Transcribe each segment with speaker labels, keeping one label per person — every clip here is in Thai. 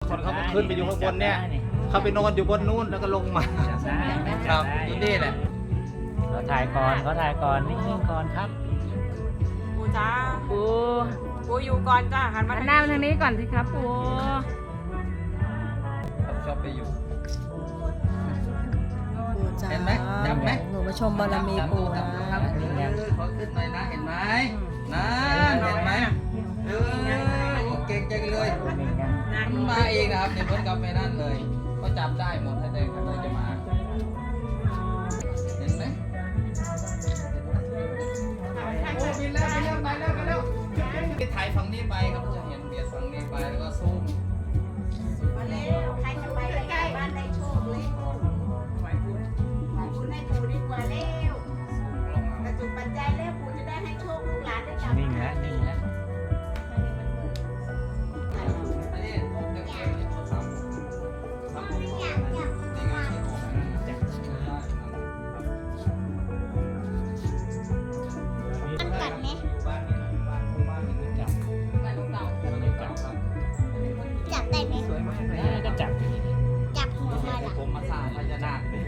Speaker 1: คนเขาก็ขึ้นไปอยู่ข้างบนเนี่ยเขาไปนอนอยู่บนนู้นแล้วก็ลงมาครับอยู่นี่แหละ
Speaker 2: เขาถ่ายก่อนนิ่งๆก่อนครับ
Speaker 3: ปูจ้า
Speaker 2: ปู
Speaker 3: ปูอยู่ก่อนจ้าหันมา
Speaker 4: หันหน้ามาทางนี้ก่อนสิครับปู
Speaker 1: ชอบไปอยู่
Speaker 5: ปูจ๋า
Speaker 1: เห็นไหมจับไหม
Speaker 5: หนูมาชมบารมีปูนะ
Speaker 1: ขอขึ้นหน่อยนะเห็นไหมนะเห็นไหมเก่งจังเลย
Speaker 3: นั่ง
Speaker 1: มาเองนะครับเนี่ยเหมือนกับแม่นั่นเลย ก็จับได้หมดถ้าเดินเขาเลยจะมาเห็นไหมโอ้บินแล้วไปแล้วถ่ายฝั่งนี้ไปครับจะเห็นเบียดฝั่งนี้ไปแล้วก็ซูม
Speaker 6: มาเร็วใครจะไปใกล้บ้านได้โชคเลยขอบคุณให้ปู่ดีกว่าเร็วกระจุกปัจจัยแล้วปู่จะได้ให้โชคลูกหลานได้กลับ
Speaker 2: นิ่งแล้ว
Speaker 1: อันนี้เด็กๆนี่เขาทำนี่ไงที่ออก
Speaker 6: มันกัดไหม
Speaker 1: บ้านนี้บ้านนี้จับ
Speaker 6: จับได้ไหม
Speaker 1: สวยมากเลย
Speaker 2: ก็จับ
Speaker 6: จับหัวมาล่ะ
Speaker 1: ผมมาสร้างพญานาคเลย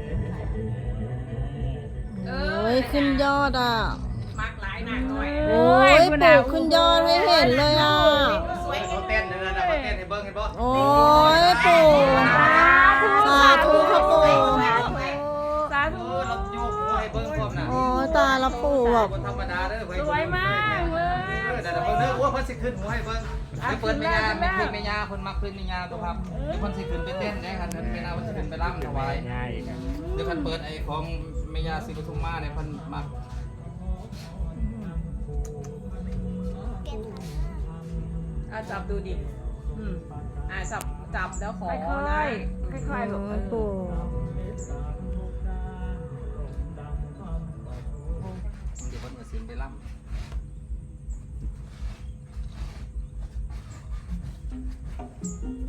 Speaker 5: โอ้ยขึ้นยอดอ่ะ
Speaker 3: มากหลายหนักหน่อย
Speaker 5: โอ้ยปู่ขึ้นยอดให้เห็นเลยอ่ะ
Speaker 1: เขาเต้นเลยนะเขาเต้นให้เบิ้งให้เบิ้ง
Speaker 5: โอ้ยปู่สาธุครับปู่
Speaker 4: สาธุ
Speaker 1: เราโยกหัวให้เบิ้งพร้อมนะ
Speaker 5: โอ้ยตาละปู่แบบ
Speaker 1: คนธรรมดาเด้อ
Speaker 4: สวยมากเลย
Speaker 1: เดี๋ยวเบิ้งเด้อว่าเพิ่นสิขึ้นหัวให้เบิ้งไปเปิดแม่ยามีเพลงแม่ยาเพิ่นมักเพลงแม่ยาตัวครับเดี๋ยวเพิ่นสิขึ้นไปเต้นได้ครับเพิ่นแม่ยาเพิ่นสิขึ้นไปรำถวาย
Speaker 2: ง่าย
Speaker 1: เดี๋ยวเพิ่นเปิดไอ้ของแม่ยาศรีปทุมมาเนี่ยเพิ่นมัก
Speaker 3: จับดูดิจับแล้วขอ
Speaker 4: ค่อย
Speaker 3: นะ
Speaker 4: ๆค่อยๆลูก
Speaker 5: โอ้ยปู่
Speaker 1: เดี๋ยวเพิ่นก็สิไปรำ